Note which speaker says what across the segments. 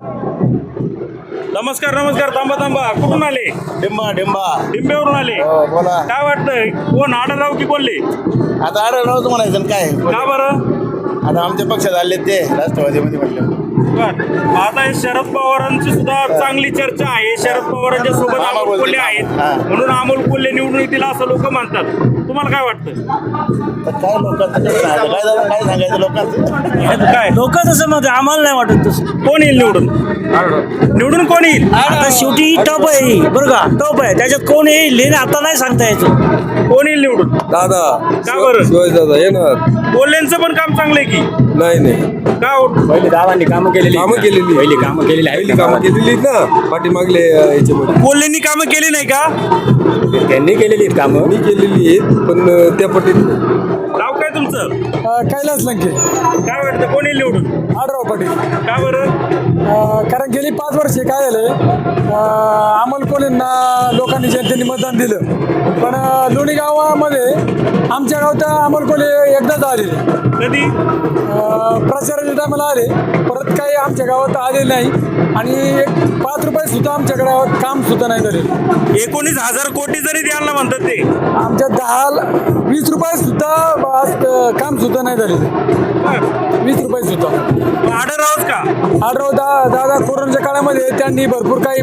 Speaker 1: नमस्कार नमस्कार. थांबा कुठून आले? डिंबेवरून आले.
Speaker 2: बोला.
Speaker 1: काय वाटतंय कोण आढळराव की बोलले?
Speaker 2: आता आढळरावच म्हणायचं ना काय.
Speaker 1: का बरं?
Speaker 2: आता आमच्या पक्षात आले ते राष्ट्रवादीमध्ये म्हटलं.
Speaker 1: आता हे शरद पवारांची सुद्धा चांगली चर्चा आहे. शरद पवारांच्या सोबत अमोल कोल्हे आहेत, म्हणून अमोल कोल्हे निवडून येतील असं लोक म्हणतात. तुम्हाला काय वाटतं?
Speaker 2: तर काय लोकांचं काय सांगायचं लोकांचं.
Speaker 1: काय
Speaker 3: लोक तसं मध्ये आम्हाला नाही वाटत तसं.
Speaker 1: कोण येईल निवडून? निवडून कोण येईल?
Speaker 3: आता शेवटी टप आहे बरं का, टप आहे त्याच्यात कोण येईल हे आता नाही सांगता यायचं.
Speaker 1: कोण येईल निवडून?
Speaker 4: दादा.
Speaker 1: का बरं?
Speaker 4: शिवाजी दादा येणार.
Speaker 1: कोल्हेंचं पण काम चांगलं आहे की?
Speaker 4: नाही
Speaker 1: का हो?
Speaker 5: पहिले दादांनी कामं केलेली पहिली कामं केलेली
Speaker 4: केलेली ना पाठीमागले याच्यामध्ये
Speaker 1: कोल्हेंनी कामं केली नाही का?
Speaker 5: त्यांनी केलेली आहेत कामं.
Speaker 4: मी केलेली आहेत पण त्या पटीत
Speaker 1: नाव काय तुमचं?
Speaker 6: कैलास लंके.
Speaker 1: काय वाटतं कोण येईल निवडून?
Speaker 6: आढराव पाटील.
Speaker 1: का बरं?
Speaker 6: कारण गेली 5 वर्षे काय झालं, अमोल कोल्हेंना लोकांनी जनतेने मतदान दिलं, पण लोणी गावामध्ये आमच्या गावात अमोल कोल्हे एकदाच आले.
Speaker 1: कधी?
Speaker 6: प्रचाराच्या टायमाला आले, परत काही आमच्या गावात आले नाही आणि 5 रुपये सुद्धा आमच्या गावात काम सुद्धा नाही झाले.
Speaker 1: 19,000 कोटी जरी द्यायला म्हणतात ते,
Speaker 6: आमच्या 10-20 रुपये सुद्धा काम सुद्धा नाही झाले. 20 रुपये सुद्धा.
Speaker 1: आढळरावच का?
Speaker 6: आढराव दादा कोरोनाच्या काळामध्ये त्यांनी भरपूर काही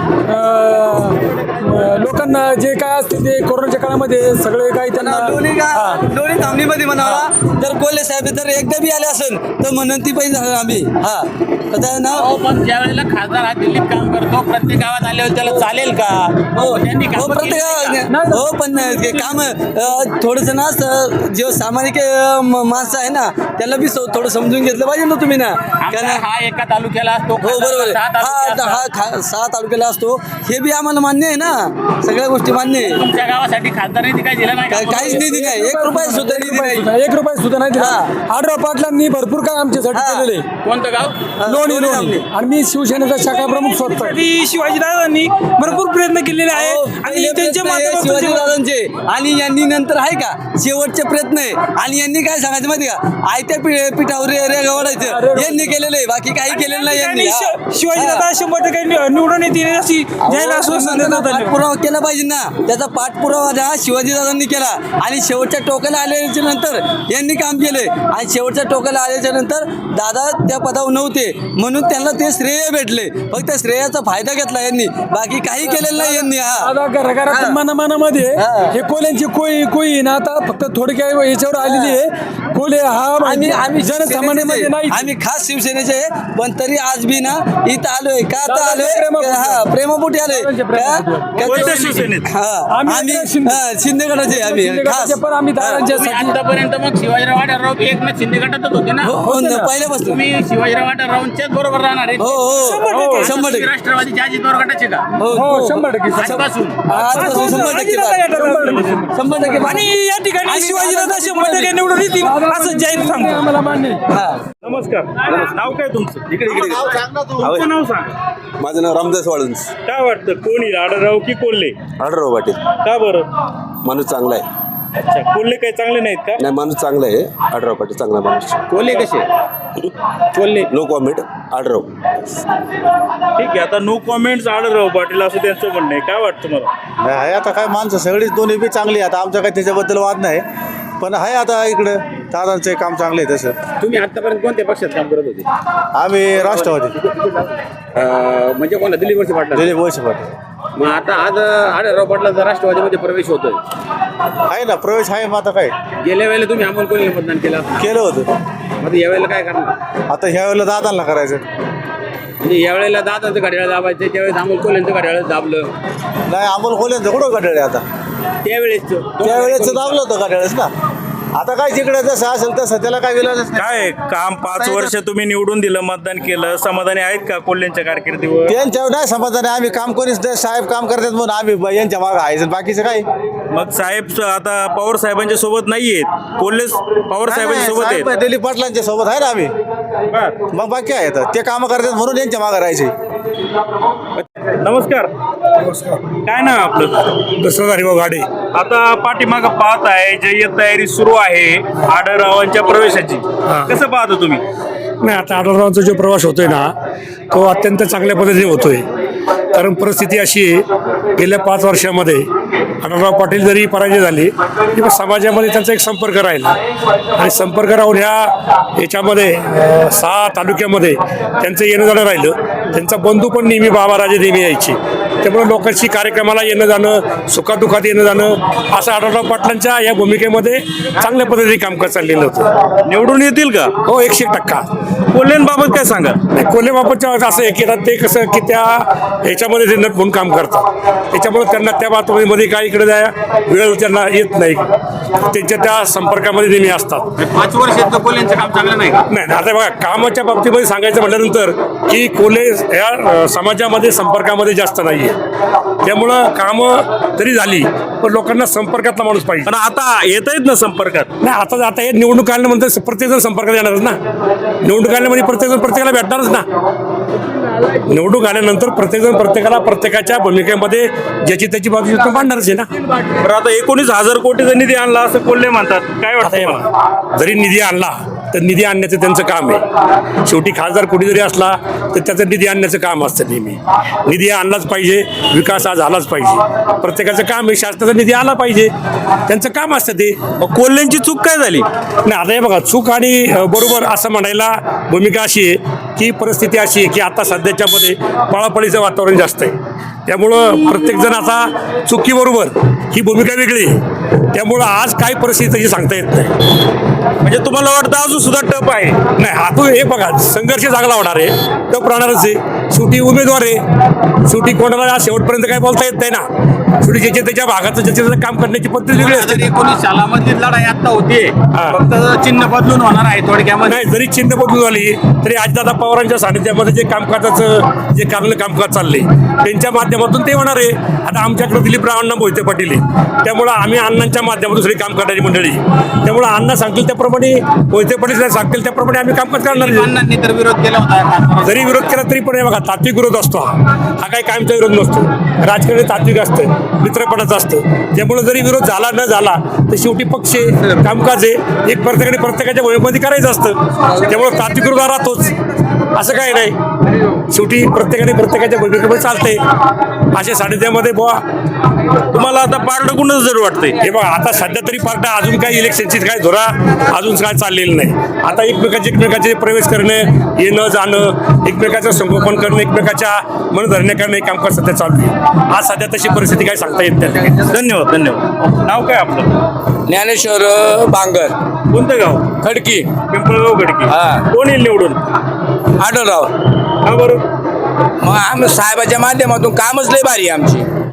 Speaker 6: लोकांना जे काय असते ते कोरोनाच्या काळामध्ये सगळे काही त्यांना
Speaker 7: दोन्ही थांबणीमध्ये म्हणावा. जर कोल्हे साहेब जर एकदा बी आले असेल तर म्हणून ती पाहिजे आम्ही.
Speaker 8: पण ज्या वेळेला खासदार हा दिल्लीत काम करतो, प्रत्येक गावात आल्यावर त्याला चालेल का? त्यांनी
Speaker 7: पण काम थोडंसं ना जे सामाजिक माणसं आहे ना त्याला बी थोडं समजून घेतलं पाहिजे ना तुम्ही ना.
Speaker 8: हा एका तालुक्याला असतो.
Speaker 7: हो बरोबर आहे. 6 तालुक्याला असतो हे बी आम्हाला मान्य आहे ना. सगळ्या गोष्टी मान्य आहे.
Speaker 8: तुमच्या गावासाठी खासदार निधी काय दिला नाही?
Speaker 7: काहीच निधी नाही. 1 रुपया सुद्धा निधी नाही.
Speaker 6: 1 रुपया सुद्धा नाही दिला. आढराव पाटलांनी भरपूर काय आमच्यासाठी केलेले.
Speaker 8: कोणतं गाव?
Speaker 6: लोणी. आणि मी शिवसेनेचा शाखा प्रमुख स्वतः.
Speaker 3: शिवाजीदादांनी भरपूर प्रयत्न केलेले आहेत आणि त्यांच्या
Speaker 7: शिवाजीदादांचे आणि यांनी नंतर आहे का शेवटचे प्रयत्न आहे. आणि यांनी काय सांगायचं माहिती का, आयत्या पिठावर रेगा ओढायचं यांनी केलेलं आहे, बाकी काही केलेलं नाही यांनी.
Speaker 3: शिवाजीदादा 100% निवडून येतील अशी जाहीर आश्वासन देण्यात आले.
Speaker 7: पाठपुरावा केला पाहिजे ना. त्याचा पाठपुरावा शिवाजीदादांनी केला आणि शेवटच्या टोकाला आल्याच्या नंतर यांनी काम केले आणि शेवटच्या टोकाला आल्याच्या नंतर दादा त्या पदावर नव्हते म्हणून त्यांना ते श्रेय भेटले. फक्त श्रेयाचा फायदा घेतला यांनी, बाकी काही केलेलं नाही यांनी.
Speaker 6: घराघरात मनामध्ये हे कोल्यांची कोई ना आता फक्त थोडी काही याच्यावर आलेली आहे. कोल्हे हा
Speaker 7: आम्ही
Speaker 6: जनसामान्यामध्ये नाही.
Speaker 7: आम्ही खास शिवसेनेचे आहे, पण तरी आज बी ना इथं आलोय का आता आलोय प्रेमापोटी आलोय.
Speaker 1: कोणत्या शिवसेनेत?
Speaker 7: आम्ही शिंदे गटाचे आम्ही खास.
Speaker 6: पण आम्ही
Speaker 8: आतापर्यंत मग शिवाजीराव आढळराव एकनाथ शिंदे गटातच होते ना?
Speaker 7: पहिल्यापासून
Speaker 8: तुम्ही शिवाजीराव आढळरावांच्याच बरोबर राहणार आहे?
Speaker 7: हो 100%.
Speaker 8: राष्ट्रवादीचे अजित पवार गटाचे का?
Speaker 6: हो 100%
Speaker 8: आजपासून
Speaker 7: 100%.
Speaker 3: आणि या ठिकाणी शिवाजीदादा 100% निवडून येतील असं जाहीर सांगतो.
Speaker 6: आम्हाला मान्य.
Speaker 1: नमस्कार. नाव काय तुमचं? तुमचं नाव सांगा.
Speaker 4: माझं नाव रामदास वाळुंज.
Speaker 1: काय वाटतं कोण येईल, आढळराव की कोल्हे?
Speaker 4: आढळराव पाटील.
Speaker 1: का बरं?
Speaker 4: माणूस चांगला आहे.
Speaker 1: अच्छा, कोल्हे काही चांगले नाहीत का?
Speaker 4: नाही माणूस चांगला आहे. आढळराव पाटील चांगला माणूस.
Speaker 8: कोल्हे कसे? Kolhe
Speaker 4: no comment. आढळराव.
Speaker 1: ठीक आहे. आता नो कॉमेंट्स आढळराव पाटील असं त्यांचं म्हणणं आहे. काय वाटतं मला?
Speaker 2: आहे आता काय माणसं सगळीच दोन्ही बी चांगली. आता आमचं काही त्याच्याबद्दल वाद नाही, पण आहे आता इकडं दादांचं काम चांगलं आहे. तसं
Speaker 8: तुम्ही आतापर्यंत कोणत्या पक्षात काम करत होते?
Speaker 2: आम्ही राष्ट्रवादी.
Speaker 8: म्हणजे कोणा? दिलीप वळसे पाटील.
Speaker 2: दिलीप वळसे पाटील.
Speaker 8: मग आता आज आढळराव पाटलांचा राष्ट्रवादीमध्ये प्रवेश होतोय.
Speaker 2: आहे ना प्रवेश आहे. मग आता काय
Speaker 8: गेल्या वेळेला तुम्ही अमोल कोल्हेला मतदान
Speaker 2: केलं होतं.
Speaker 8: मग यावेळेला काय करणार?
Speaker 2: आता ह्या वेळेला दादांना करायचं.
Speaker 8: म्हणजे यावेळेला दादांचं घड्याळ दाबायचं, त्यावेळेस अमोल कोल्हेंचं घड्याळ दाबलं.
Speaker 2: नाही अमोल कोल्ह्यांचं कुठं घड्याळ आहे आता. त्यावेळेचं दाबलं होतं घड्याळच ना. आता काय जिकडे जसं असेल तसं त्याला काय विलाजच नाही.
Speaker 1: काय काम 5 वर्ष तुम्ही निवडून दिलं, मतदान केलं, समाधानी आहेत का कोल्ह्यांच्या कारकिर्दीवर?
Speaker 2: त्यांच्यावर नाही समाधान आहे. आम्ही काम कोणीच साहेब काम करतात म्हणून आम्ही यांच्या मागं आहे. बाकीचं काय
Speaker 1: मग साहेब आता पवार साहेबांच्या सोबत नाहीयेत, कोल्हे पवार साहेबांच्या सोबत आहेत.
Speaker 2: दिलीप पाटलांच्या सोबत आहे ना आम्ही. मग बाकी आहे ते काम करतात म्हणून यांच्या मागं राहायचे.
Speaker 1: नमस्कार. काय नाव आपलं?
Speaker 6: दसरा हरिभाऊ गाडे.
Speaker 1: आता पाठीमागं पाहत आहे जय्यत तयारी सुरू आहे आढळरावांच्या प्रवेशाची. कसं पाहता तुम्ही?
Speaker 6: नाही, आता आढळरावांचा जो प्रवास होतोय ना तो अत्यंत चांगल्या पद्धतीने होतोय. कारण परिस्थिती अशी आहे, गेल्या 5 वर्षामध्ये आढळराव पाटील जरी पराजय झाले तरी समाजामध्ये त्यांचा एक संपर्क राहिला आणि संपर्क राहून याच्यामध्ये 6 तालुक्यामध्ये त्यांचं येणं जाणं राहिलं. त्यांचा बंधू पण नेहमी बाबाराजे नेहमी यायचे. त्यामुळे लोकांशी कार्यक्रमाला येणं जाणं, सुखादुखात येणं जाणं असं आढळराव पाटलांच्या या भूमिकेमध्ये चांगल्या पद्धतीने कामकाज चाललेलं होतं.
Speaker 1: निवडून येतील का?
Speaker 6: हो, 100%
Speaker 1: कोल्हेंबाबत काय सांगा?
Speaker 6: कोल्हेबाबतच्या असं आहे की आता ते कसं की त्या ह्याच्यामध्ये ते नट म्हणून काम करतात. त्याच्यामुळे त्यांना त्या बातमीमध्ये काय इकडे जाय वेळ त्यांना येत नाही. त्यांच्या त्या संपर्कामध्ये नेहमी असतात.
Speaker 8: 5 वर्षात कोल्ह्यांचं काम चांगलं नाही का?
Speaker 6: नाही, आता बघा कामाच्या बाबतीमध्ये सांगायचं म्हटल्यानंतर की कोल्हे या समाजामध्ये संपर्कामध्ये जास्त नाही आहे. त्यामुळं कामं तरी झाली पण लोकांना संपर्कातला माणूस पाहिजे.
Speaker 1: पण आता येत आहेत ना संपर्कात?
Speaker 6: नाही, आता हे निवडणूक आल्यानंतर प्रत्येकजण संपर्कात येणारच ना. निवडणूक आल्यामध्ये प्रत्येकजण प्रत्येकाला भेटणारच ना. निवडणूक आल्यानंतर प्रत्येकजण प्रत्येकाला प्रत्येकाच्या भूमिकेमध्ये ज्याची त्याची बाजू मांडणारच आहे ना.
Speaker 1: बरं, आता 19,000 कोटीचा निधी आणला असं कोल्हे म्हणतात. काय
Speaker 6: आता हे
Speaker 1: वाटतं?
Speaker 6: बघा, जरी निधी आणला तर निधी आणण्याचं त्यांचं काम आहे. शेवटी खासदार कोणी जरी असला तर त्याचं निधी आणण्याचं काम असतं नेहमी. निधी आणलाच पाहिजे, विकास हा झालाच पाहिजे. प्रत्येकाचं काम आहे, शासनाचा निधी आला पाहिजे, त्यांचं काम असतं ते.
Speaker 1: मग कोल्हेंची चूक काय झाली?
Speaker 6: नाही, आता हे बघा चूक आणि बरोबर असं म्हणायला भूमिका अशी आहे की परिस्थिती अशी आहे की आता सध्याच्यामध्ये पळापळीचं वातावरण जास्त आहे. त्यामुळं प्रत्येकजण आता चुकीबरोबर ही भूमिका वेगळी आहे. त्यामुळं आज काय परिस्थिती त्याची सांगता येत नाही.
Speaker 1: म्हणजे तुम्हाला वाटतं अजून सुद्धा टप आहे?
Speaker 6: नाही, आता हे बघा संघर्ष चांगला होणार आहे, टप राहणारच आहे. शेवटी उमेदवार आहे, शेवटी कोणाला शेवटपर्यंत काय बोलता येत नाही ना. शेवटी ज्याच्या त्याच्या भागाचं ज्याच्या त्याचं काम करण्याची पद्धत वेगळी असते.
Speaker 8: 2019 सालामधली लढाई आता होतीये, फक्त चिन्ह बदलून होणार आहे थोडक्यामध्ये.
Speaker 6: नाही, जरी चिन्ह बदलून झाली तरी आजदादा पवारांच्या सानिध्यामध्ये जे कामकाजाचं जे चांगलं कामकाज चालले त्यांच्या माध्यमातून ते होणार आहे. आता आमच्याकडे दिलीपरावांना मोहिते पाटील आहे, त्यामुळं आम्ही अण्णांच्या माध्यमातून सगळी काम करणारी मंडळी. त्यामुळं अण्णा सांगतील त्याप्रमाणे, मोहिते पाटील सांगतील त्याप्रमाणे आम्ही कामकाज करणार आहे.
Speaker 8: अण्णांनी तर विरोध केला होता.
Speaker 6: जरी विरोध केला तरी पण हे बघा तात्विक विरोध असतो. हा काही कायमचा विरोध नसतो. राजकारण तात्विक असतं, मित्रपणाचं असतं. त्यामुळे जरी विरोध झाला न झाला तर शेवटी पक्ष आहे, कामकाज आहे, एक प्रत्येकाच्या वयोमध्ये करायचं असतं. त्यामुळे तात्विक विरोध राहतोच, असं काही नाही. शेवटी प्रत्येकाने प्रत्येकाच्या भूमिकेमध्ये चालते. अशा सानिध्यामध्ये बुवा
Speaker 1: तुम्हाला आता पारडं कुणाचं जर वाटतंय?
Speaker 6: हे बघा आता सध्या तरी पार्ट अजून काही इलेक्शनची काय धोरा अजून काय चाललेलं नाही. आता एकमेकाचे प्रवेश करणं, येणं जाणं, एकमेकाचं संगोपन करणं, एकमेकाच्या मनधरण्या करणं हे कामकाज सध्या चालू आहे. आज सध्या तशी परिस्थिती काय सांगता येत नाही.
Speaker 1: धन्यवाद. नाव काय आपलं?
Speaker 7: ज्ञानेश्वर बांगर,
Speaker 1: कोणतं गाव?
Speaker 7: खडकी,
Speaker 1: पिंपळगाव खडकी.
Speaker 7: हा.
Speaker 1: कोण येईल निवडून?
Speaker 7: आढळराव.
Speaker 1: का बरं?
Speaker 7: मग आम्ही साहेबाच्या माध्यमातून कामच लय भारी आहे आमची.